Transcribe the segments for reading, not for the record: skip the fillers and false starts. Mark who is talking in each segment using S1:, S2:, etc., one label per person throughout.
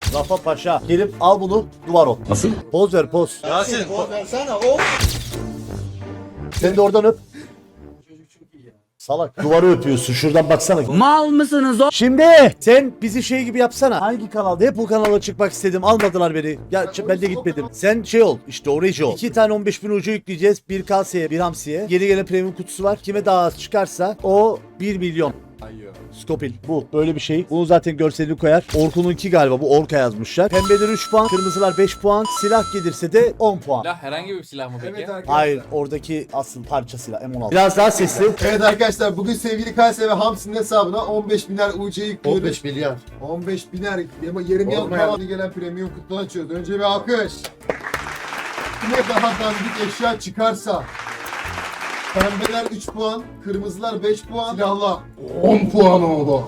S1: Rafa Paşa. Gelip al bunu duvar ol.
S2: Nasıl?
S1: Poz ver poz.
S3: Yasin.
S1: Sen de oradan öp. Salak. Duvarı öpüyorsun. Şuradan baksana.
S2: Mal mısınız o?
S1: Şimdi sen bizi şey gibi yapsana. Hangi kanalda? Hep o kanala çıkmak istedim. Almadılar beni. Ya ben de gitmedim. Sen şey ol. İşte orayı ol. 2 tane 15.000 ucu yükleyeceğiz. Bir kaseye, bir hamsiye. Yeni gelen premium kutusu var. Kime daha az çıkarsa o 1 milyon. Skopil. Bu. Böyle bir şey. Bunu zaten görselini koyar. Orkun'unki galiba. Bu Orka yazmışlar. Pembeler 3 puan. Kırmızılar 5 puan. Silah gelirse de 10 puan.
S4: Silah herhangi bir silah mı peki?
S3: Evet arkadaşlar.
S1: Hayır. Oradaki asıl parça silah. M16. Biraz daha sesli.
S3: Evet arkadaşlar bugün sevgili Kayseri ve Hamsi'nin hesabına 15 biner UC yüklüyoruz.
S1: 15 milyar.
S3: 15 biner ama yarım yıl kalanı gelen premium kutudan açıyoruz. Önce bir alkış. Ne daha dandik eşya çıkarsa pembeler 3 puan, kırmızılar 5 puan, silahlar 10 puan oldu.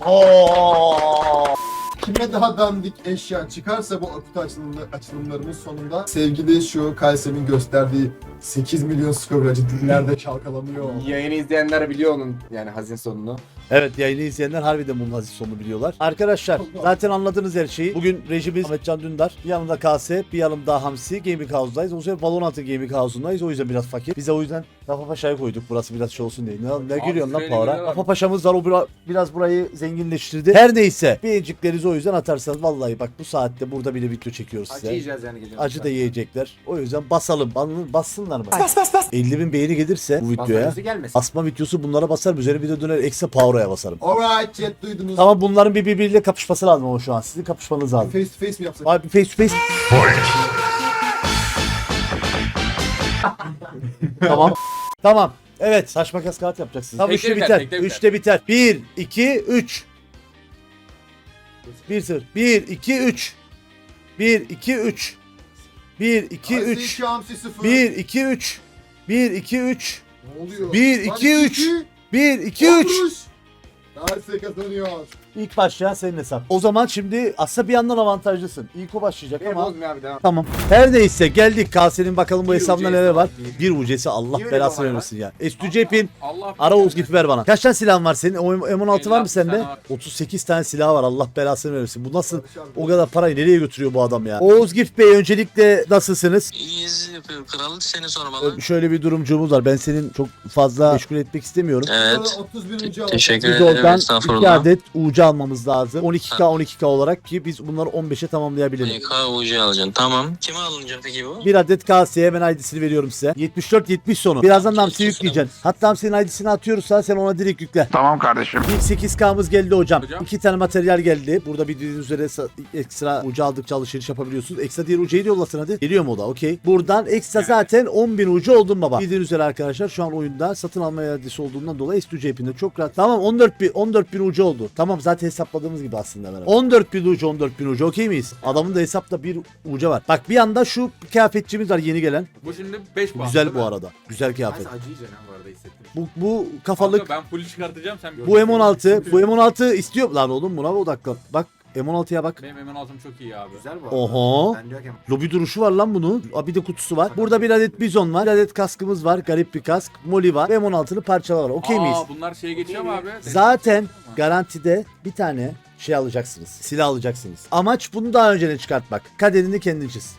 S3: Kime daha dandik eşya çıkarsa bu kutu açılımlarımız sonunda sevgili şu Kayseri'nin gösterdiği 8 milyon skovracı dillerde çalkalanıyor.
S5: Yayını izleyenler biliyor onun yani hazin sonunu.
S1: Evet, yayını izleyenler harbiden bunun aziz sonunu biliyorlar. Arkadaşlar zaten anladınız her şeyi. Bugün rejimiz Ahmetcan Dündar. Bir yanımda KS, bir yanım daha Hamsi. Gaming House'dayız. O sefer Valorant'ın Gaming House'undayız. O yüzden biraz fakir. Biz de o yüzden Rafa Paşa'ya koyduk. Burası biraz şey olsun diye. Ne gülüyorsun lan
S4: şöyle
S1: Power'a?
S4: gülüyorlar.
S1: Rafa Paşa'mız var. O biraz burayı zenginleştirdi. Her neyse. Beğeniciklerinizi o yüzden atarsanız vallahi bak bu saatte burada bile video çekiyoruz
S5: Acı
S1: size.
S5: yiyeceğiz yani geliyor.
S1: Acı da yiyecekler. O yüzden basalım. Bassınlar mı? Bas. 50.000 beğeni gelirse bu videoya.
S5: Fazla gelmesin.
S1: Asma videosu bunlara basar. Üzerine video döner. Ekse Power'a basarım.
S3: Alright chat duydunuz.
S1: Tamam, bunların birbiriyle kapışması lazım ama şu an. Sizin kapışmanız lazım.
S3: Face to face mi yapsak?
S1: Abi face to face. Tamam. Tamam. Evet, saç makas kağıt yapacaksınız. Tamam,
S4: Tekte
S1: 3'te
S4: biter,
S1: biter.
S4: tekte biter.
S1: 3'te biter. 1 2 3. 1-0. 1 2 3. 1 2 3. 1 2 3.
S3: Hamsi 0.
S1: 1 2 3. 1 2 3.
S3: Ne oluyor?
S1: 1
S3: Lan
S1: 2 3. 1 2 3.
S3: Darse kazanıyor.
S1: İlk başlayan senin hesap. O zaman şimdi aslında bir yandan avantajlısın. İlk o başlayacak
S5: Benim
S1: ama.
S5: bozmuyor abi devam.
S1: Tamam. Her neyse geldik. Kase'nin bakalım bu
S5: Bir
S1: hesabında
S5: ucesi
S1: neler var.
S5: var.
S1: Bir ucesi Allah
S5: Niye öyle
S1: belasını
S5: bir olay
S1: vermesin ya. Estücepin
S4: Allah
S1: ara Oğuz gibi ver bana. Kaç tane silahın var senin? O M16 var mı
S4: 56
S1: sende?
S4: tane var.
S1: 38 tane silah var. Allah belasını vermesin. Bu nasıl o kadar parayı nereye götürüyor bu adam ya? Oğuz Gift Bey, öncelikle nasılsınız?
S6: İyiyiz yapıyor kral, seni sormalı.
S1: Şöyle bir durumcumuz var. Ben senin çok fazla meşgul etmek istemiyorum.
S6: Evet.
S3: 30 bin önce
S6: Teşekkür
S1: Biz
S6: ederim,
S1: oradan 2
S6: estağfurullah.
S1: adet UC almamız lazım. 12K olarak ki biz bunları 15'e tamamlayabilelim.
S6: KUC alacaksın, tamam. Kime alınacak peki bu?
S1: Bir adet KS'ye hemen ID'sini veriyorum size. 74-70 sonu. Birazdan Hamsi'yi yükleyeceksin. Hatta Hamsi'nin ID'sini atıyoruzsa sen ona direkt yükle.
S2: Tamam kardeşim.
S1: İlk 8K'mız geldi hocam.
S4: Hocam.
S1: 2 tane materyal geldi. Burada bildiğiniz üzere ekstra ucu aldıkça alışveriş yapabiliyorsunuz. Ekstra diğer ucuyu da yollasın hadi. Geliyor mu o da? Okey. Buradan ekstra zaten 10.000 ucu oldun baba. Bildiğiniz üzere arkadaşlar şu an oyunda satın alma iadesi olduğundan dolayı S2C'pinde çok rahat. Tamam, 14.000 ucu oldu. Tamam, zaten hesapladığımız gibi aslında. 14.000 ucu okey miyiz? Adamın da hesapta bir ucu var. Bak bir anda şu kıyafetçimiz var yeni gelen.
S4: Bu şimdi 5 puan.
S1: Güzel
S4: değil
S1: bu
S4: mi?
S1: arada. Güzel kıyafet.
S5: Acı yiyeceksin ha bu arada hissettim.
S1: Bu kafalık.
S4: Kanka ben full çıkartacağım sen.
S1: Bu M16. Bu M16 istiyor. Lan oğlum buna odaklan. Bak M16'ya bak.
S4: Benim M16'm çok iyi abi.
S5: Güzel bu arada.
S1: Oho.
S5: Ben diyor ki
S1: Lobi duruşu var lan bunun. Aa, bir de kutusu var. Burada bir adet bizon var. Bir adet kaskımız var. Garip bir kask. Moli var. Ve M16'lı parçalar var. Okey miyiz?
S4: Bunlar şeye geçiyor mu abi?
S1: Zaten garantide bir tane şey alacaksınız. Silah alacaksınız. Amaç bunu daha önceden çıkartmak. Kaderini kendin çiz.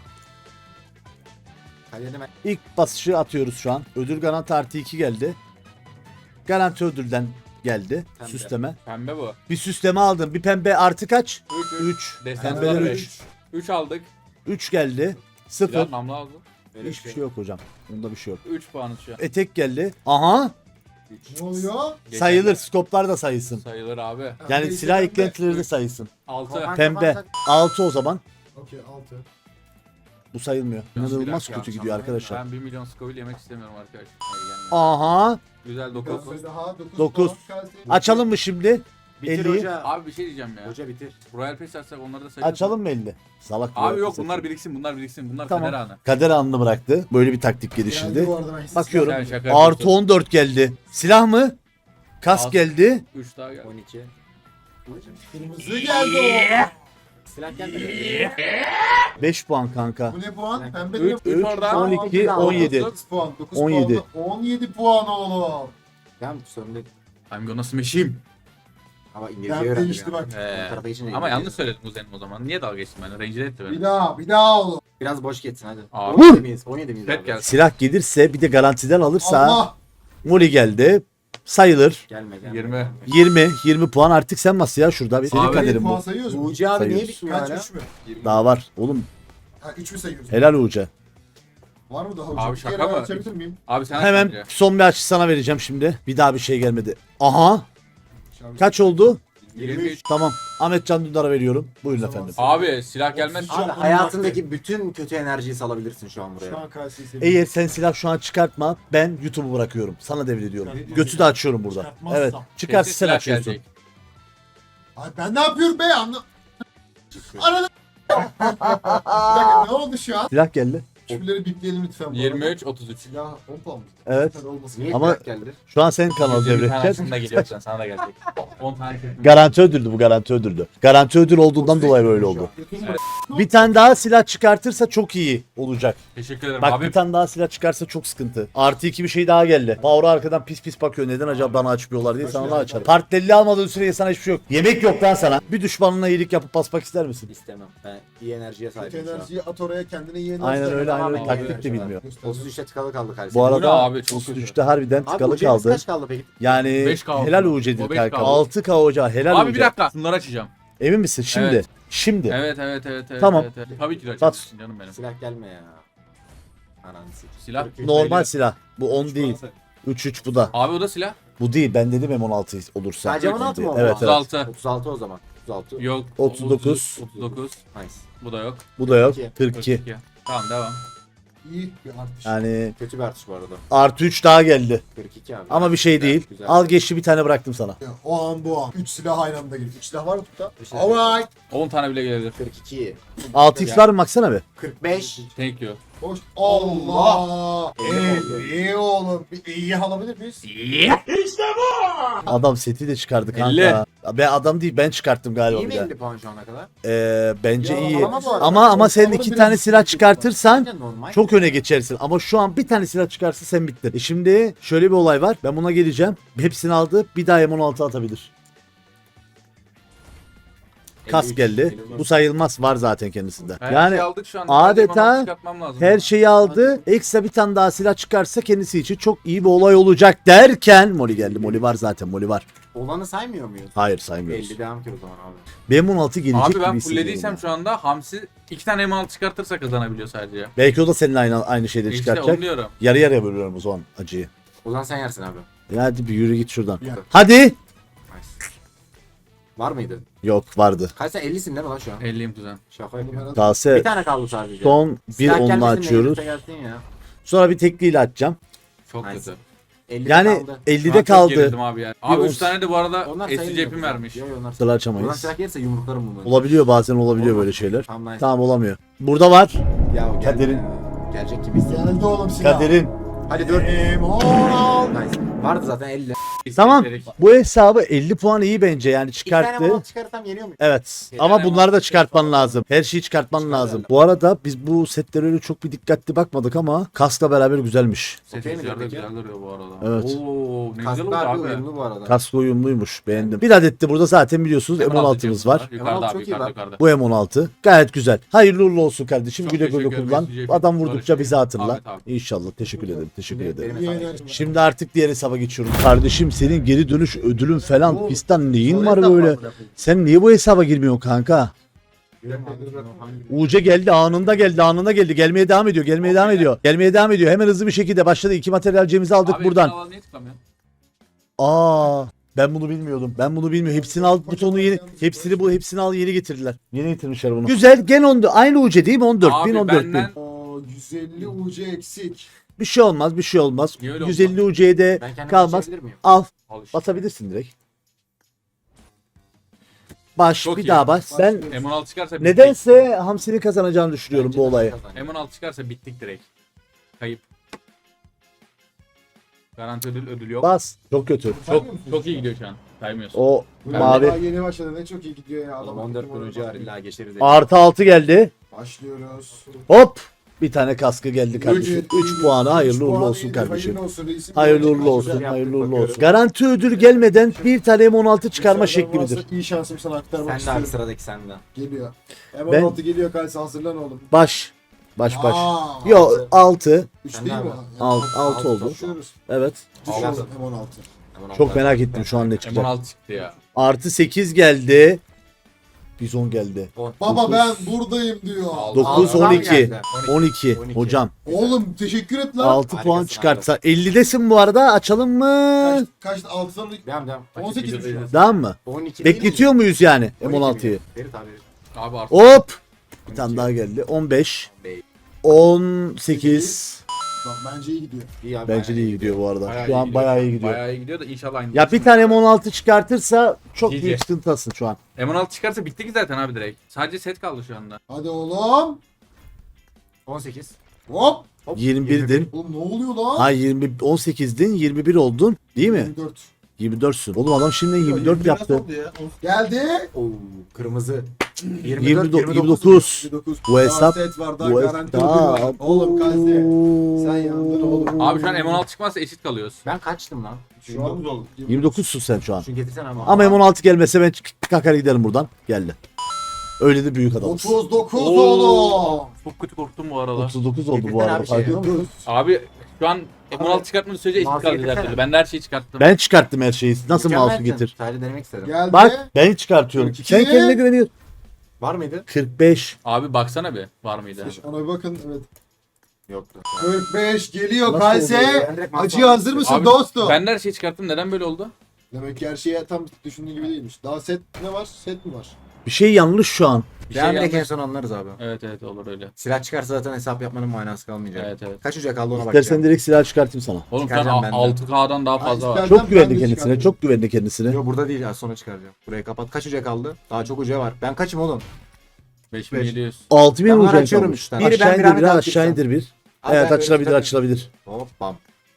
S5: kalene ben
S1: İlk basışı atıyoruz şu an. Ödül garanti artı 2 geldi. Garanti ödülden geldi.
S5: Pembe.
S1: Süsleme.
S4: Pembe bu.
S1: Bir süsleme aldım. Bir pembe artı kaç?
S4: 3.
S1: 3.
S4: Desenler
S1: Pembeler
S4: 5.
S1: 3.
S4: 3 aldık.
S1: 3 geldi. 0.
S4: Biraz namlu aldı.
S5: böyle
S1: Hiçbir şey yok hocam. Bunda bir şey yok.
S4: 3 puanı şu an.
S1: Etek geldi. Aha.
S3: Ne oluyor?
S4: Geçen
S1: Sayılır. Skoplar da sayılsın.
S4: Sayılır abi.
S1: Yani
S3: Neyse,
S1: silah
S3: pembe.
S1: eklentileri de sayılsın.
S4: 6.
S5: Kafan
S1: Pembe.
S5: kapansak-
S1: 6 o zaman.
S3: Okey 6.
S1: Bu sayılmıyor. İnanılmaz
S5: dakika,
S1: kötü gidiyor
S5: tamam.
S1: arkadaşlar.
S4: Ben 1 milyon Scoville yemek istemiyorum arkadaşlar. Hayır, gelmiyor.
S1: Aha.
S4: Güzel 9.
S3: Daha
S1: 9. Açalım mı şimdi?
S5: Bitir
S1: 50'yi.
S5: hoca.
S4: Abi bir şey diyeceğim ya.
S5: Hoca bitir.
S4: Royal Pass açsak onları da sayılır.
S1: Açalım mı 50? Salak.
S4: Abi
S1: bu
S4: yok
S1: ya.
S4: bunlar biriksin bunlar biriksin. Bunlar
S1: Tamam.
S4: kader anı.
S1: Kader anını bıraktı. Böyle bir taktik geliştirdi. Bakıyorum.
S4: Sen şaka
S1: Artı
S4: yapıyorsun.
S1: 14 geldi. Silah mı? Kask
S4: Az.
S1: geldi.
S4: 3 daha geldi.
S5: 12.
S3: Kırmızı geldi
S5: Silah gelmedi.
S1: 5 puan kanka.
S3: o. Bu ne puan? Pembe
S4: 3
S3: ne?
S4: 3 oradan.
S1: 12, 17.
S3: 9 puan. 9
S1: 17.
S3: puan. 17 puan oğlum.
S5: Tamam sorun değil.
S4: I'm gonna smash him.
S5: Ama
S3: Ben
S5: İngilizce öğrendim
S3: değişti
S5: ya.
S3: bak.
S5: Bu tarafa geçince
S4: Ama
S5: İngilizce.
S4: yanlış söyledim kuzenim o zaman. Niye dalga geçtin benimle? Rencide etti beni.
S3: Bir daha oğlum.
S5: Biraz boş geçsin hadi.
S4: Abi.
S5: 17 miyiz? 17 miyiz
S4: Tek
S5: abi?
S4: gelsin.
S1: Silah gelirse bir de garantiden alırsa
S3: Allah.
S1: Moli geldi. Sayılır.
S5: Gelme.
S4: 20.
S1: 20 puan artık sen bas ya şurada. Senin
S4: Abi,
S1: kaderin
S3: Puan
S1: bu.
S3: sayıyoruz mu?
S5: Uğurcu abi niye
S1: Sayıyoruz.
S5: bitmiyor
S3: Kaç
S5: hala?
S3: 3 mü?
S1: Daha var. Oğlum
S3: Ha 3 mü sayıyoruz?
S1: helal Uğur'a.
S3: Var mı daha
S4: Abi
S3: hocam?
S4: şaka
S3: Bir kere
S4: mı?
S3: açabilir miyim?
S4: Abi sen
S1: Hemen
S4: aç bence.
S1: son bir açı sana vereceğim şimdi. Bir daha bir şey gelmedi. Aha.
S3: Şabi-
S1: Kaç oldu?
S4: 23.
S1: Tamam. Ahmet Can Dündar'a veriyorum. Buyurun
S3: Tamam.
S1: efendim.
S4: Abi silah gelmez.
S3: Abi,
S5: Abi hayatındaki bütün kötü enerjiyi salabilirsin şu an
S3: Şu
S5: buraya.
S3: an Kayseri'yi seviyorum.
S1: Eğer sen silah şu an çıkartma ben YouTube'u bırakıyorum. Sana devrediyorum.
S3: Çıkartmaz.
S1: Götü de açıyorum burada.
S3: Çıkartmazsam.
S1: Evet. Çıkarsa
S4: Kesin
S1: sen
S4: silah
S1: açıyorsun.
S4: gelecek.
S3: Ay ben ne yapıyorum be anla. Arada. Bir dakika ne oldu şu an?
S1: Silah geldi.
S3: Şunları bipleyelim lütfen. bu arada.
S4: 23, 33.
S3: Ya 10 puan mı?
S1: Evet.
S3: Lütfen olmasın.
S5: Niye
S1: Ama-
S5: Ama... geldi?
S1: Şu an senin kanalı
S4: 120 tane
S1: devredeceğiz.
S4: aslında geliyor sen sana da gelecek. 10 tane kesin.
S1: Garanti ödüldü bu, garanti ödüldü. Garanti ödül olduğundan dolayı böyle oldu. Bir tane daha silah çıkartırsa çok iyi olacak.
S4: Teşekkür ederim
S1: Bak
S4: abi.
S1: bir tane daha silah çıkarsa çok sıkıntı. Artı 2 bir şey daha geldi. Power arkadan pis pis bakıyor. Neden acaba bana açmıyorlar diye sana da açar. Partnerli almadığın sürece sana hiçbir şey yok. Yemek yok lan sana. Bir düşmanına iyilik yapıp basmak ister misin?
S5: İstemem. Ben iyi enerjiye
S3: Kötü
S5: sahibim şu an.
S3: enerjiyi at oraya kendine iyi enerji.
S1: Aynen öyle, aynen öyle.
S5: Tamam,
S1: Taktik de
S5: iyi
S1: bilmiyor.
S5: 33'te tıkalı kaldı kardeşim.
S1: Bu
S4: Bu ne
S1: arada
S4: abi, çok
S1: 33'te harbiden
S5: Abi
S1: tıkalı
S5: Uğurcu'ya
S1: kaldı.
S5: kaç kaldı peki?
S1: Yani
S4: 5K
S1: helal
S4: oldu.
S1: Uğur'dur
S4: O 5K
S1: kanka.
S4: oldu.
S1: 6K hoca helal
S4: Abi bir
S1: Uğur'a.
S4: dakika. Bunları açacağım.
S1: Emin misin? Şimdi.
S4: Evet.
S1: Şimdi.
S4: Evet.
S1: Tamam.
S4: Evet. Tabii ki de
S1: Bas.
S4: açacaksın canım benim.
S5: Silah gelme ya. Ananı sikeyim.
S4: Silah.
S5: 43
S1: Normal
S5: sayılır.
S1: silah. Bu 10 değil. 3 bu da.
S4: Abi o da silah.
S1: Bu değil. Ben dedim M16 olursa.
S5: Sadece 16 mı oldu?
S1: Evet evet.
S4: 36.
S5: 36 o zaman. 36.
S4: Yok.
S1: 39.
S4: 39.
S5: Nice.
S4: Bu da yok.
S1: Bu da yok.
S5: 42.
S1: 42.
S4: Tamam devam.
S3: İyi bir artış.
S1: Yani
S5: Kötü bir artış bu arada.
S1: artı 3 daha geldi.
S5: 42 abi.
S1: Ama bir şey
S5: Güzel,
S1: değil.
S5: güzel.
S1: Al geçti bir tane bıraktım sana.
S3: Ya, o an bu an. 3 silah aynı anda geliyor. 3 silah var mı tutta?
S5: Üç silah.
S3: Alright.
S4: 10 tane bile gelebilir.
S5: 42.
S1: 6x var mı baksana bir.
S5: 45.
S4: Thank you.
S3: Hoş. Allah. İyi oğlum. Bir iyi alabilir miyiz?
S1: Adam seti de çıkardı
S4: 50.
S1: kanka. Ben adam değil ben çıkarttım galiba
S5: İyi
S1: bir
S5: mi
S1: de.
S5: 50 puan şu ana kadar?
S1: Bence
S3: Ya,
S1: iyi.
S5: ama bu arada-
S1: Ama sen
S3: Ortalamanın
S1: 2
S3: biraz
S1: tane
S3: üstünde
S1: silah
S3: bir
S1: çıkartırsan
S5: Bence normal.
S1: çok öne geçersin. Ama şu an bir tane silah çıkarsa sen bittin. Şimdi şöyle bir olay var. Ben buna geleceğim. Hepsini aldı. Bir daha M16 atabilir. Kas
S5: 53,
S1: geldi.
S5: 54.
S1: Bu sayılmaz. Var zaten kendisinde.
S4: Her
S1: Yani
S4: şeyi aldık şu an.
S1: adeta
S4: Sadece bana çıkartmam lazım.
S1: her şeyi aldı. Ekstra bir tane daha silah çıkarsa kendisi için çok iyi bir olay olacak derken Moli geldi. Moli var zaten. Moli var.
S5: Olanı saymıyor muyuz?
S1: Hayır saymıyoruz.
S5: 50 devam ki o zaman abi.
S1: M16 gelecek
S4: Abi
S1: gibi
S4: ben
S1: hissediyorum
S4: fullediysem
S1: ben.
S4: şu anda Hamsi 2 tane M6 çıkartırsa kazanabiliyor sadece.
S1: Belki o da seninle aynı şeyleri
S4: İşte
S1: çıkartacak.
S4: onu diyorum.
S1: Yarı yarıya bölüyorum o zaman acıyı.
S5: O zaman sen yersin abi.
S1: Ya hadi bir yürü git şuradan.
S3: Ya.
S1: Hadi.
S5: Nice. Var mıydı?
S1: Yok vardı.
S5: Kaç sen 50'sin değil mi lan şu an?
S4: 50'yim kuzen.
S5: Şaka yapıyorum. Bir
S1: Tase
S5: tane kaldı sadece.
S1: son bir
S5: Silah
S1: onunla
S5: gelmesin de
S1: açıyoruz.
S5: elbise gelsin ya.
S1: Sonra bir tekliyle açacağım.
S4: Çok
S5: Nice.
S4: kötü.
S5: 50'de
S1: Yani
S5: kaldı.
S4: Şu an
S1: 50'de
S4: çok
S1: kaldı.
S4: gerildim abi yani. Abi
S1: Bir
S4: 3 tane de bu arada
S5: Onlar
S4: SC
S5: sayılmıyor
S4: cepim
S5: kızım.
S4: vermiş.
S5: Yok, onlar
S1: Sıra
S5: Buradan
S1: açamayız.
S5: silah gelirse yumruklarım bunları.
S1: Olabiliyor bazen olabiliyor
S5: Olmaz.
S1: böyle şeyler.
S5: Tamam nice.
S1: Tamam olamıyor. Burada var.
S5: Ya o geldi
S1: Kaderin.
S5: ya. Gelecek gibi hissediyorum.
S3: Geldi oğlum silah.
S1: Kaderin.
S5: Hadi 4.
S3: M16.
S5: Nice. Vardı zaten 50.
S1: Tamam.
S4: İstedik.
S1: Bu hesabı 50 puan iyi bence yani
S5: 2 tane
S1: çıkarttı.
S5: mal çıkarırsam yeniyor muyum?
S1: Evet.
S4: Bir
S1: Ama
S4: tane
S1: bunları da
S4: var.
S1: çıkartman lazım. Her şeyi çıkartman
S5: Çıkar
S1: lazım.
S5: herhalde.
S1: Bu arada biz bu setlere öyle çok bir dikkatli bakmadık ama kaskla beraber güzelmiş.
S4: Ses
S5: Okey mi
S4: rüzgarı da
S5: peki?
S4: güzel duruyor bu arada.
S1: Evet.
S4: Oo ne güzel
S5: Kasklar
S4: oldu
S5: bir
S4: abi.
S5: uyumlu bu arada.
S1: Kask uyumluymuş. Beğendim. Bir adet de burada zaten biliyorsunuz M16'mız var.
S4: Yukarıda
S5: M16
S4: abi
S5: çok iyi
S4: yukarıda
S5: lan.
S4: yukarıda.
S1: Bu M16. Gayet güzel. Hayırlı uğurlu olsun kardeşim.
S4: Çok
S1: Güle güle
S4: teşekkür ederim.
S1: kullan.
S4: SCP
S1: Adam vurdukça bizi hatırla.
S4: Ahmet abi.
S1: İnşallah. Teşekkür ederim. Teşekkür ederim.
S5: Benim
S3: İyi
S5: hesabım.
S3: enerji.
S1: Şimdi artık diğer hesaba geçiyorum. Kardeşim senin geri dönüş ödülün falan
S3: Bu-
S1: fistan neyin
S3: Sol
S1: var
S3: hesap
S1: böyle?
S3: bırakın.
S1: Sen niye bu hesaba girmiyorsun kanka? UC geldi anında geldi anında geldi. Gelmeye devam ediyor. Gelmeye devam ediyor. Gelmeye devam ediyor. Hemen hızlı bir şekilde başladı. 2 materyalcimizi aldık
S4: Abi
S1: buradan.
S4: ekran niye tıklamıyorsun?
S1: Aa, ben bunu bilmiyordum. Ben bunu bilmiyorum. Hepsini al butonu yeni. Hepsini al yeni getirdiler. Yeni getirmişler bunu. Güzel. Gen 14. Aynı UC değil mi? 14 bin
S4: Abi
S1: 14 bin.
S4: benden
S3: Oo, 150 UC eksik.
S1: Bir şey olmaz. Bir şey olmaz.
S4: Niye öyle
S1: 150 UC'ye de
S5: Ben kendime
S1: kalmaz.
S5: geçebilir miyim?
S1: Al.
S4: al işte.
S1: Basabilirsin direkt. Baş
S4: Çok
S1: bir
S4: iyi.
S1: daha baş. Ben
S4: M16 çıkarsa bittik.
S1: nedense Hamsi'nin kazanacağını düşünüyorum
S5: Bence
S1: bu
S5: de
S1: olayı.
S5: kazanacak.
S4: M16 çıkarsa bittik direkt. Kayıp. Garanti ödül yok.
S1: Bas. Çok kötü.
S4: Çok iyi gidiyor şu an. Saymıyorsun.
S1: O
S3: Bu Daha
S1: mavi.
S3: yeni başladı ne çok iyi gidiyor ya.
S5: Oğlum 14 gün önce var illa geçeriz.
S1: Artı 6 geldi.
S3: Başlıyoruz.
S1: Hop. Bir tane kaskı geldi kardeşim. 3 puanı hayırlı uğurlu olsun kardeşim. Hayırlı uğurlu olsun. Hayırlı uğurlu olsun. Garanti ödül gelmeden bir tane M16 çıkarma şekli midir?
S3: İyi şansım sana aktarmak
S5: Sen de
S3: istiyorum.
S5: abi sıradaki sende.
S3: Geliyor.
S1: Ben-
S3: M16 geliyor Kalsi, hazırlan oğlum.
S1: Baş. Baş.
S3: Aa,
S1: Yo 6.
S3: 3
S5: Sen
S3: değil
S5: de
S3: mi?
S5: abi.
S1: Altı oldu.
S3: Düşüyoruz.
S1: Evet.
S3: Düşüyoruz
S5: Altı.
S3: M16.
S1: Çok merak ettim şu an ne çıkacak.
S4: M16 çıktı ya.
S1: Artı 8 geldi. Bizon geldi.
S3: Baba ben buradayım diyor.
S1: 9
S5: Altıdan mı
S1: 12.
S5: geldi?
S1: 12.
S5: 12.
S1: Hocam
S3: Oğlum teşekkür et lan.
S1: 6 puan
S5: Harikasın
S1: çıkartsa 50'desin bu arada. Açalım mı?
S3: Kaçtı? 6'dan
S5: Devam.
S3: 18 mi şu an?
S1: Tamam mı?
S5: 12 değil mi?
S1: Bekletiyor muyuz yani
S5: 12
S1: M16'yı?
S5: mi? Ferit abi.
S4: Abi artık.
S1: Hop. Bir tane daha geldi. 15. 18.
S3: Bak bence iyi gidiyor.
S5: İyi abi.
S1: Bence de iyi gidiyor bu arada.
S4: Bayağı
S1: Şu an bayağı iyi gidiyor.
S4: Bayağı iyi gidiyor da inşallah aynı.
S1: Ya bir tane M16 çıkartırsa çok
S4: GG.
S1: büyük sıkıntıtasın şu an.
S4: M16 çıkarsa bitti ki zaten abi direkt. Sadece set kaldı şu anda.
S3: Hadi oğlum.
S5: 18.
S3: Hop.
S1: 21'din.
S3: Oğlum ne oluyor lan?
S1: Hayır 18'din 21 oldun değil mi?
S3: 24.
S1: 24'sün. Oğlum adam şimdi 24 yaptı.
S3: Geldi.
S5: Oo, kırmızı.
S1: 29.
S3: 29.
S1: Bu hesap-
S3: Daha set var, daha
S1: Bu
S3: garanti ödül var.
S1: hesap.
S3: Oğlum Kalsi. Sen yandın oğlum.
S4: Abi şu an M16 çıkmazsa eşit kalıyoruz.
S5: Ben kaçtım lan?
S3: Şu an
S1: 29'sun sen şu an.
S5: Şunu getirsene ama.
S1: Ama M16 gelmese ben kakar giderim buradan. Geldi. Öyle de büyük adamız.
S3: 39 oğlum.
S4: Çok kötü korktum bu arada.
S1: 39 oldu bu
S5: Getirsene
S1: arada.
S5: abi şey.
S1: fark ediyor musun?
S4: Abi şu an M16 çıkartmadığın sürece eşit
S5: Mouse
S4: kalacağız her
S5: getirsene.
S4: türlü. Ben de her şeyi çıkarttım.
S1: Ben çıkarttım her şeyi. Nasıl mouse'u
S5: Mükemmelsin.
S1: getir?
S5: Sadece denemek istedim.
S3: Geldi.
S1: Bak ben çıkartıyorum.
S3: 42.
S1: Sen kendine güveniyorsun.
S5: Var mıydı?
S1: 45.
S4: Abi baksana bir var mıydı?
S3: Ona bir bakın, evet.
S5: Yoktu.
S3: 45 geliyor
S1: Nasıl
S3: Kalsi.
S1: oluyor
S5: Ben direkt
S3: Acıya hazır mısın
S4: Abi,
S3: dostum?
S4: Ben de her şeyi çıkarttım. Neden böyle oldu?
S3: Demek ki her şey tam düşündüğün gibi değilmiş. Daha set ne var? Set mi var?
S1: Bir şey yanlış şu an.
S4: Bir
S5: Devam
S4: şey
S5: direkt en
S4: yanlış.
S5: son anlarız abi.
S4: Evet olur öyle.
S5: Silah çıkarsa zaten hesap yapmanın manası kalmayacak.
S4: Evet.
S5: Kaç uca kaldı ona
S1: İstersen
S5: bakacağım.
S1: direkt silah çıkartayım sana.
S4: Oğlum şu
S5: Çıkaracağım
S4: an
S5: ben de.
S4: 6K'dan daha fazla
S3: Ha,
S4: var.
S3: ister-
S1: Çok
S3: Ben
S1: güvendi
S3: de
S1: kendisine.
S3: çıkartırım.
S1: Çok güvendi kendisine.
S5: Yok burada değil ya sonra çıkaracağım. Burayı kapat. Kaç uca kaldı? Daha çok uca var. Ben kaçım oğlum?
S4: 5700.
S1: 6000
S5: Ben bunları
S1: vuracak
S5: açıyorum
S1: kalmış.
S5: üç tane.
S1: Aşağı
S5: Biri ben,
S1: indir
S5: bir
S1: bir
S5: Ahmet
S1: aşağı
S5: abi
S1: indir bir.
S5: Abi
S1: Evet
S5: ben böyle
S1: açılabilir
S5: çıkarım.
S1: açılabilir.
S5: Hop bam.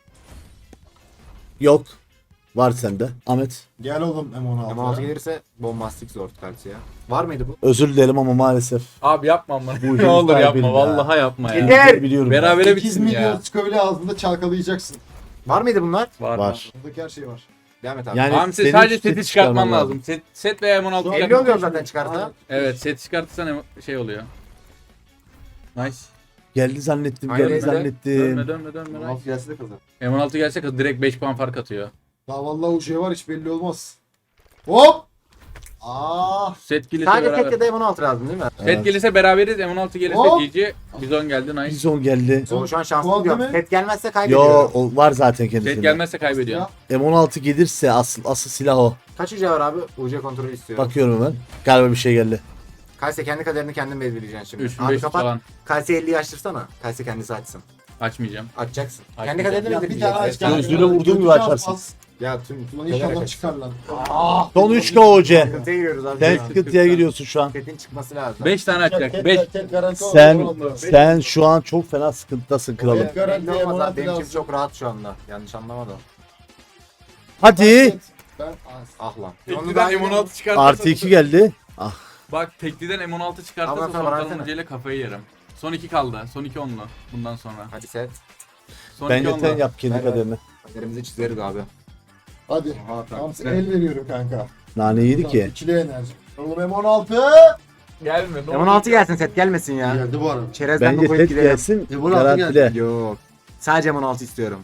S1: Yok. Var sende. Ahmet.
S3: Gel oğlum M16.
S5: M16 gelirse bombastik zor kartı ya. Var mıydı bu?
S1: Özür dilerim ama maalesef.
S4: Abi yapma bunu.
S1: Bu
S4: Ne olur
S1: yüzden
S4: yapma.
S1: bildim
S4: Vallahi yapma ya.
S5: Yeter.
S1: Biliyorum.
S4: Berabere
S3: 8
S4: bitsin
S3: milyon
S4: ya.
S3: çıkabilir, ağzında çalkalayacaksın.
S5: Var mıydı bunlar?
S1: Var.
S3: Buradaki her şey var.
S5: Devam et abi.
S1: Yani
S4: Abi
S1: senin
S4: sadece
S1: seti
S4: seti çıkartman
S1: çıkarman
S4: lazım. Set veya M16
S3: Şu an
S5: 50
S4: çıkartman.
S5: oluyor zaten çıkarsa.
S3: Aynen.
S4: Evet set çıkartırsan şey oluyor. Nice.
S1: Geldi zannettim.
S5: Aynen
S1: Geldi
S5: öyle.
S1: zannettim.
S4: Dönme. Nice.
S5: gelse de kazan.
S4: M16 gelse kız direkt 5 puan fark atıyor.
S3: Daha vallahi o şey var, hiç belli olmaz. Hop! Ah!
S4: Set gelirse
S5: Sadece
S4: beraber.
S5: tek ya da M16 lazım değil mi?
S4: Set gelirse beraberiz. M16 gelirse
S3: Hop.
S4: GG. Bizon geldi nice.
S1: Bizon geldi.
S5: O şu an şanslı
S3: Puan
S5: diyorum.
S3: değil mi?
S5: Set gelmezse
S1: Yo
S5: kaybediyorum.
S1: o var zaten
S4: Set
S1: kendisinde.
S4: gelmezse kaybediyor.
S3: Ya,
S1: M16 gelirse asıl silah o.
S5: Kaç uca var abi? Uca kontrolü istiyorum.
S1: Bakıyorum hemen. Galiba bir şey geldi.
S5: Kalse kendi kaderini kendin belirleyeceksin şimdi. Abi
S4: 3500
S5: kapat.
S4: falan.
S5: Kalse 50'yi açtırsana. Kalse kendisi açsın.
S4: Açmayacağım.
S5: Açacaksın.
S4: Açmayacağım.
S5: Kendi kaderini
S3: ya bir tane aç.
S5: belirleyeceksin.
S1: Gözüne vurduğun gibi açarsın.
S5: Ya tüm
S3: Ulan
S5: kader
S3: inşallah
S5: aç.
S3: çıkar lan.
S1: Son 3 KOC.
S5: Sıkıntıya giriyoruz abi.
S1: Sen
S5: şu an.
S1: sıkıntıya giriyorsun şu an.
S5: Setin çıkması lazım.
S4: 5 tane açacak. 5.
S1: Sen şu an çok fena sıkıntıdasın kralım.
S3: Evet. Garanti
S5: Belli olmaz
S3: M16
S5: abi. Benim
S3: lazım.
S5: için çok rahat şu anda. Yanlış anlamadım.
S1: Hadi.
S3: Ben
S5: Ah lan.
S4: Tekliden M16 çıkartırsa.
S1: Artı 2 geldi.
S4: Bak tekliden M16
S5: Ama
S4: çıkartırsa
S5: sana
S4: son
S5: versene.
S4: kalınca kafayı yerim. Son 2 kaldı. Son 2 onlu. Bundan sonra.
S5: Hadi set.
S4: Son 2
S1: Bence sen
S4: onlu.
S1: yap kendi
S5: Ver,
S1: kaderini.
S5: Kaderimizi çizeriz abi.
S3: hadi.
S5: Tamam.
S3: Tamam, el veriyorum kanka.
S1: Nane yedi ki.
S3: İkili enerji. Oğlum M16.
S4: Gelme. ne olur.
S5: M16 gelsin set gelmesin ya.
S3: Geldi bu arada.
S5: Çerezden
S1: Bence
S5: bu koyup
S1: set
S5: gidelim.
S1: gelsin.
S3: M16
S1: Garantile.
S5: Yok. Sadece M16 istiyorum.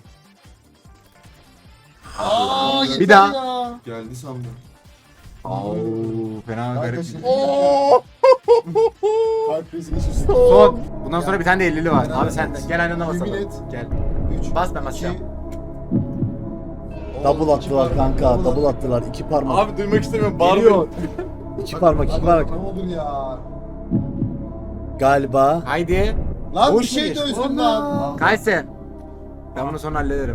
S3: Aa,
S5: Bir daha.
S3: Ya. Geldi sandım.
S5: Oo, fena garip.
S3: Arkadaşlar. Kalp krizi geçirsin.
S5: Son. Bundan sonra bir tane de 50'li var. Abi sen de gel aynı anda
S3: Yemin
S5: basalım.
S3: et.
S5: Gel.
S3: 3.
S5: Bas ben basacağım.
S1: Double attılar kanka. Double attılar. 2 parmak.
S4: Abi duymak istemiyorum.
S1: Geliyor.
S4: Bağırma.
S1: 2 parmak. 2 parmak.
S3: Ne olur ya.
S1: Galiba.
S5: Haydi.
S3: Lan
S5: Boş
S3: bir şey
S5: mu
S3: dönsün lan.
S5: Kayse. Ben bunu sonra hallederim.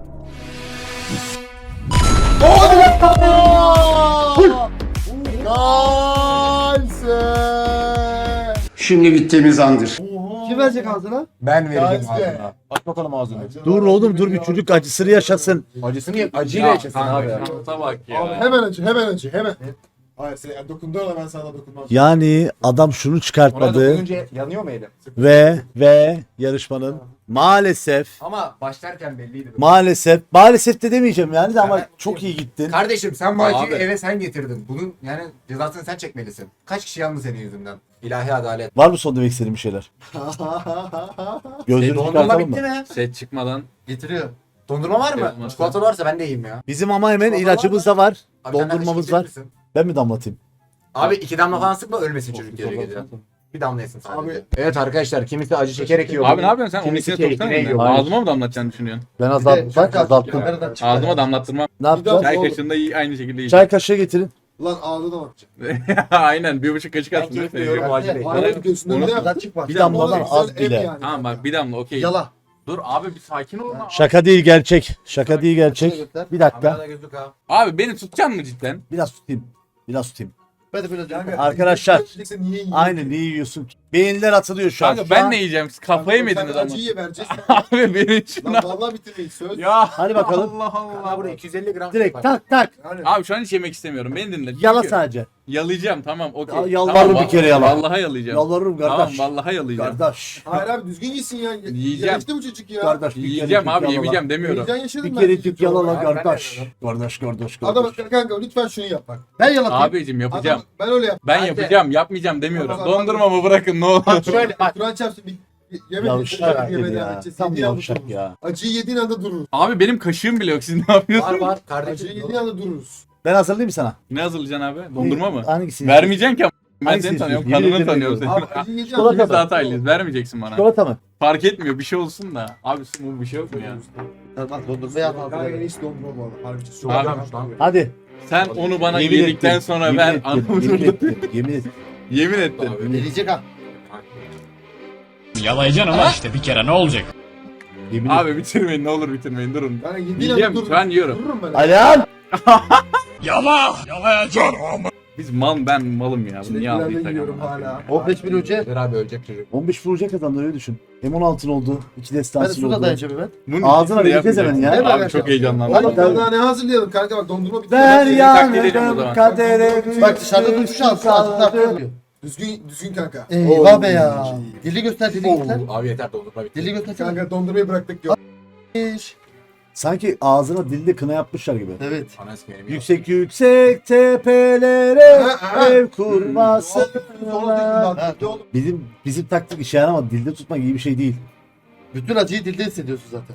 S3: Kalse.
S2: Şimdi bittiğimiz andır.
S3: Kim verecek ağzına?
S5: Ben vereceğim
S3: Kalse.
S5: ağzına. Aç bakalım ağzını.
S1: Dur oğlum dur bir çocuk acısını yaşasın.
S5: Acısını acıyla yaşasın abi.
S4: Şansa bak
S3: Abi
S4: ya.
S3: hemen acı, hemen acı, hemen. Hayır sen yani dokunduğun da ben sana dokunmam.
S1: Yani adam şunu
S5: Ona
S1: çıkartmadı
S5: dokununca yanıyor mu elim?
S1: ve yarışmanın maalesef
S5: Ama başlarken belliydi.
S1: maalesef de demeyeceğim yani de ama
S5: Ben-
S1: çok iyi gittin.
S5: Kardeşim sen bu acıyı
S4: Abi.
S5: eve sen getirdin. Bunun yani cezasını sen çekmelisin. Kaç kişi yandı senin yüzünden? İlahi adalet.
S1: Var mı son demek istediğin bir şeyler? Gözünü
S5: Dondurma
S1: çıkartalım
S5: bitti
S1: mı?
S5: mi?
S4: Set çıkmadan.
S5: Getiriyor. Dondurma var mı?
S4: Olmaz.
S5: Çikolatalı varsa ben de yiyeyim ya.
S1: Bizim ama hemen
S5: Çikolata
S1: ilacımız da var.
S5: Abi sen
S1: Dondurmamız
S5: kardeşim
S1: var.
S5: getirir misin?
S1: Ben mi damlatayım?
S5: Abi 2 damla falan sıkma ölmesin çocuk gece gece. Bir damla yesin sadece.
S3: Abi-
S5: Evet arkadaşlar kimisi acı çekerek yiyor.
S4: Abi ne yapıyorsun sen? Onun
S5: Kimisi
S4: içine
S5: keyfine
S4: soksana
S5: yiyor.
S4: mı? Ağzıma mı damlatacaksını düşünüyorsun?
S1: Ben azalttım.
S4: Ağzıma damlattırmam.
S1: Ne yapacağız?
S4: Çay
S3: Oğlum.
S4: kaşığında aynı şekilde yiyeceğim.
S1: Çay kaşığı getirin.
S3: Lan ağzı da bakacak.
S4: Aynen 1,5 kaşık
S5: Ben
S4: atsın.
S5: keyif
S4: değil mi?
S5: duyuyorum o acıyla.
S3: Hayır gözünün
S4: Onu-
S3: önünde yap.
S1: Bir damladan
S3: Oğlum,
S1: az
S3: güzel ev
S1: bile.
S3: yani.
S4: Tamam bak bir damla okey.
S3: Yala.
S4: Dur abi bir sakin ol.
S1: Şaka değil gerçek. Şaka değil gerçek. Bir dakika.
S5: Kamerada gözlük ha.
S4: Abi beni tutacaksın mı cidden?
S1: Biraz tutayım. Biraz tutayım.
S3: Ben de böyle diyorum.
S1: Arkadaşlar.
S3: Sen niye yiyorsun?
S1: Aynen niye yiyorsun ki? Beyinler atılıyor şu an.
S4: Kanka
S1: Şu
S4: ben
S1: an-
S4: ne yiyeceğim? Siz kafayı mı
S3: Sen
S4: yediniz ama?
S3: acıyı vereceğiz.
S4: Abi benim şuna.
S3: Lan vallahi bitirmeyiz söz.
S4: Ya
S1: Hadi bakalım.
S4: Allah
S5: Kanka
S4: Allah.
S5: burada 250 gram
S1: Direkt
S5: var.
S1: tak tak.
S3: Yani.
S4: Abi şu an hiç yemek istemiyorum. Beni dinle.
S1: Yala
S4: Çünkü
S1: sadece.
S4: Yalayacağım tamam okey.
S1: Ya, yalvarırım
S4: Tamam,
S1: bir kere yala.
S4: Vallahi yalayacağım.
S1: Yalvarırım
S4: Tamam
S1: kardeş.
S4: vallahi yalayacağım.
S1: Kardeş.
S3: Hayır abi düzgün yesin ya.
S4: Yiyeceğim.
S3: Yaşlı bu çocuk ya.
S1: Kardeş. bir
S4: Yiyeceğim
S1: kerecik
S4: abi
S1: yalala.
S4: yemeyeceğim demiyorum.
S3: Heyecan yaşadım
S1: Bir
S3: ben.
S1: kerecik yalala
S5: Abi, ben de
S1: kardeş.
S5: yapıyorum.
S1: Kardeş.
S3: Adam kanka lütfen şunu yap bak. Ben yalatayım.
S4: Abicim yapacağım.
S3: Ben öyle yap.
S4: Ben
S5: Hadi.
S4: yapacağım yapmayacağım demiyorum.
S3: Tamam, tamam.
S4: Dondurmamı bırakın ne olur.
S5: Şöyle bak.
S3: Kur'an çarpsın bir yemek
S1: Yavşak
S3: yemeğe
S1: dedi
S3: devam
S1: ya.
S3: edeceğiz.
S1: Tam
S3: Yediğin anda
S1: yavşak
S3: dururuz.
S1: ya.
S3: Acıyı yediğin anda dururuz.
S4: Abi benim kaşığım bile yok siz ne
S5: Var
S4: yapıyorsunuz?
S5: var
S3: Acıyı
S5: kardeşim.
S3: yediğin anda dururuz.
S1: Ben hazırlayayım sana.
S4: Ne hazırlayacaksın abi? Dondurma mı?
S1: Hangisini?
S4: Vermeyeceksin ki ama. Ben
S1: Hangisini
S4: seni tanıyorum,
S1: istiyorsun? Yemin
S4: kanını
S1: ederim
S4: tanıyorum
S3: Abi
S4: seni.
S3: acıyı yediğin
S1: Çikolata
S3: anda
S4: İkimiz de hataylıyız, vermeyeceksin bana.
S1: Çikolata mı?
S4: Fark etmiyor, bir şey olsun da. Abi bu bir şey yok mu ya?
S1: Tamam dondurma yap.
S3: Kanka en iyisi dondurma bu arada. Harbi çok
S4: Abi.
S5: Güzelmiş lan.
S1: Hadi.
S4: Sen onu bana
S1: Yemin
S4: yedikten
S1: ettim.
S4: sonra
S1: Yemin
S4: ver.
S1: ettim.
S4: Anamı
S1: Yemin
S4: şurada.
S1: ettim. Yemin ettim.
S4: Yemin ettin.
S3: Deneyecek ha.
S7: Yalayacaksın ama işte bir kere ne olacak?
S1: Yemin ettim.
S4: Abi bitirmeyin ne olur bitirmeyin durun.
S3: Kanka yediğin
S4: Yiyeceğim,
S3: anda dururuz.
S4: şu an yiyorum.
S3: Dururum ben.
S1: Alihan.
S7: Yalayacaksın ama.
S4: Biz ben malım ya. Bunu niye
S3: Çileklerden
S4: aldıysak
S3: yiyorum
S4: ama.
S3: hala.
S1: 15 bin önce.
S5: Dur abi ölecek çocuk.
S1: 15 vuracak adam öyle düşün. M16'ın oldu. 2 destansı oldu.
S4: Bunun
S1: Ağzına
S4: ikisini de
S1: vereceğiz hemen ya.
S4: yapmayacaksın. Abi
S3: Evet,
S4: çok
S3: evet.
S4: heyecanlandım.
S3: Oğlum daha ne hazırlayalım kanka bak dondurma bitti.
S1: Ben
S3: Hadi.
S4: taklit edeyim o zaman.
S1: yandım kadere.
S8: Bak dışarıda durmuş altı
S3: Düzgün kanka.
S8: Eyvah be ya. Dili göster, dili göster.
S5: Abi yeter dondurma bitti.
S8: Dili göster.
S3: Kanka dondurmayı bıraktık yok.
S1: Sanki ağzına dilde kına yapmışlar gibi.
S8: Evet.
S5: Ana ismi benim.
S1: Yüksek yüksek tepelere
S3: Ha.
S1: ev kurması.
S3: Ha.
S1: Bizim taktik işe yaramadı. Dilde tutmak iyi bir şey değil.
S8: Bütün acıyı dilde hissediyorsun zaten.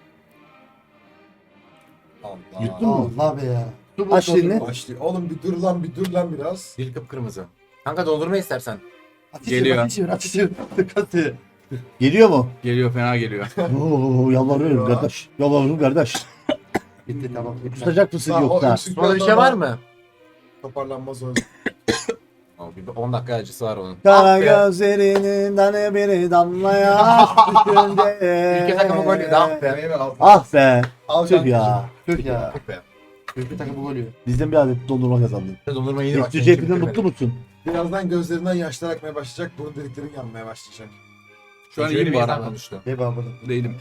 S5: Allah.
S1: Yuttun mu?
S8: Allah be ya. Su
S1: Aç
S8: bozdurdun.
S1: dilini.
S3: Başlıyor. Oğlum bir dur lan biraz.
S5: Dil kıpkırmızı. Kanka dondurma istersen.
S8: Ateş
S4: Geliyor.
S8: Ateş ver, ateş ver. Dikkat et.
S1: Geliyor mu?
S4: Geliyor fena geliyor.
S1: Oo, yalvarıyorum kardeş. Yalvarıyorum kardeş.
S8: Bitti tamam.
S1: Tutacak mısın
S3: Daha o
S1: yoksa?
S3: öksürük
S5: Sonra bir şey
S3: biraz
S5: var
S3: daha
S5: mı?
S3: Toparlanmaz o.
S5: Abi bir 10 dakika acısı var onun.
S1: Kara
S5: Ah be.
S1: gözlerinden bir damlaya düşünce.
S5: Ülke takımı golü de ah be.
S1: Ah be.
S3: Al
S1: Tüh
S3: kanka.
S1: ya.
S8: Tüh ya.
S5: Be.
S8: Ülke takımı golü.
S1: Bizden bir adet dondurma kazandın.
S5: Dondurma yedi bak.
S1: Yüklü cebinden mutlu musun?
S3: Birazdan gözlerinden yaşlar akmaya başlayacak. Burun deliklerin yanmaya başlayacak.
S4: Şu an iyiyim bu arada.
S5: konuştu.
S8: Ne babını.
S4: Değilim.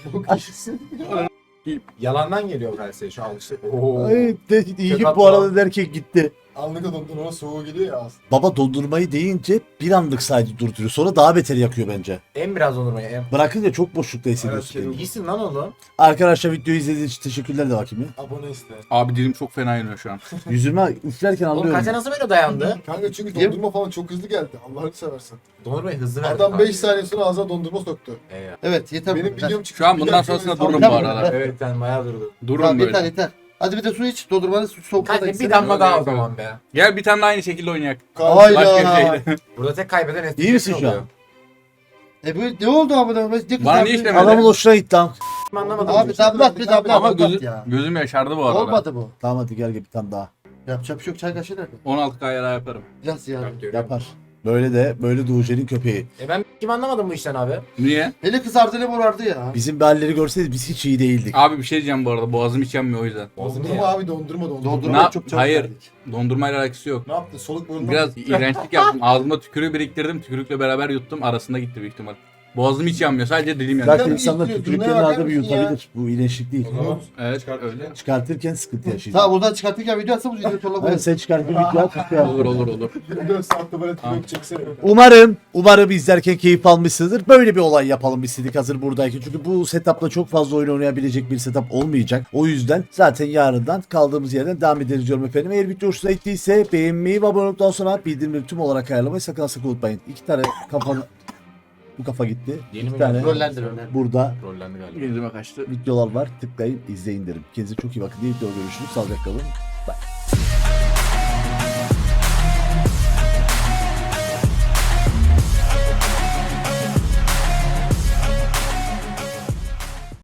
S5: Yalandan geliyor Kalsiye şu alıştı. Oo.
S1: Ay, iyi
S5: Kötü
S1: bu arada
S5: atma.
S1: derken gitti.
S3: Anlık o dondurma soğuğu geliyor ya aslında.
S1: Baba dondurmayı deyince bir anlık sadece durduruyor. Sonra daha beter yakıyor bence.
S5: En biraz dondurmayı en.
S1: Bırakınca çok boşlukta hissediyorsun
S3: Evet,
S1: kendini.
S5: İyisin lan oğlum.
S1: Arkadaşlar videoyu izlediğiniz için teşekkürler de bakayım ya.
S3: Abone iste.
S4: Abi dilim çok fena yanıyor şu an.
S1: Yüzüme üflerken
S5: Oğlum
S1: anlıyorum.
S5: Kalsiye nasıl böyle dayandı?
S3: Kanka çünkü dondurma falan çok hızlı geldi. Allah'ını seversen.
S5: Dondurmayı hızlı verdi.
S3: Adam
S5: kanka.
S3: 5 saniye sonra ağzına dondurma soktu.
S5: Eyvah.
S8: Evet yeter.
S3: Benim
S8: Yeter.
S3: videom çıktı.
S4: Şu an
S3: Bir
S4: bundan
S3: dakika
S4: sonrasında
S3: sonra-
S4: durun bu
S8: Tamam,
S4: arada.
S5: Evet sen bayağı durdun.
S4: Durun
S8: Tamam yeter
S4: böyle.
S8: yeter. Hadi bir de su iç. Dondurmanın soğukta da
S5: Kalsiye bir
S8: içsene.
S5: damla daha o
S4: Yok, yok.
S5: zaman be.
S4: Gel bir tane daha aynı şekilde oynayak.
S8: Hayda.
S4: Başka bir şeyle.
S5: Burada tek kaybeden eski.
S1: İyi misin şu an?
S8: Bu ne oldu abi? Ne
S4: Bana
S8: kızardın?
S4: niye işlemedi?
S1: Adamın hoşuna gitti lan.
S5: Anlamadım.
S8: Abi damlat bir damlat.
S4: Ama
S8: damlat ya.
S4: gözüm yaşardı bu arada.
S8: Olmadı bu.
S1: Tamam hadi gel bir tane daha.
S8: Yapacak bir şey yok. Çay kaşığı nerede?
S4: 16 kaya daha yaparım.
S8: Biraz ya.
S1: Yapar. Böyle de Uğur'un köpeği.
S5: Ben kim anlamadım bu işten abi.
S4: Niye?
S8: Eli kızardı eli morardı ya.
S1: Bizim bir halleri görseydiniz biz hiç iyi değildik.
S4: Abi bir şey diyeceğim bu arada. Boğazım hiç yanmıyor o yüzden.
S3: Dondurma abi dondurma.
S8: Dondurma
S4: Ne-
S8: çok çabuk
S4: Hayır.
S8: verdik.
S4: Dondurmayla alakası yok.
S3: Ne yaptı? Soluk burnundan
S4: Biraz iğrençlik yaptım. Ağzımda tükürüğü biriktirdim. Tükürükle beraber yuttum. Arasında gitti büyük ihtimal. Boğazım hiç yanmıyor. Sadece dilim yanıyor.
S1: Zaten
S3: bir
S1: insanlar
S3: istiyor,
S1: tükürüklerini
S3: durmaya bakar
S1: arada bir
S3: mısın ya?
S1: yutabilir. Bu iyileşik değil.
S4: Evet öyle.
S1: Çıkartırken sıkıntı yaşayacak.
S8: Tamam buradan çıkartırken video atsa bu videoyu torla
S1: Ben
S8: koyarız.
S1: sen çıkartır video at.
S4: Olur.
S3: 4 saatte böyle tüyök çeksene.
S1: Umarım izlerken keyif almışsınızdır. Böyle bir olay yapalım istedik hazır buradayken. Çünkü bu setupla çok fazla oyun oynayabilecek bir setup olmayacak. O yüzden zaten yarından kaldığımız yerden devam ederiz diyorum efendim. Eğer video hoşuna gittiyse beğenmeyi ve abone olduktan sonra bildirimleri tüm olarak ayarlamayı sakın unutmayın. 2 tane kafanı... Bu kafa gitti.
S4: Yeni
S1: 2
S4: mi
S1: tane
S8: Rollendir.
S1: burada
S4: Rollendi galiba. Yüzüme kaçtı.
S1: videolar var. Tıklayın, izleyin derim. Kendinize çok iyi bakın. İyi videoda görüşürüz. Sağlıcakla kalın. Bye.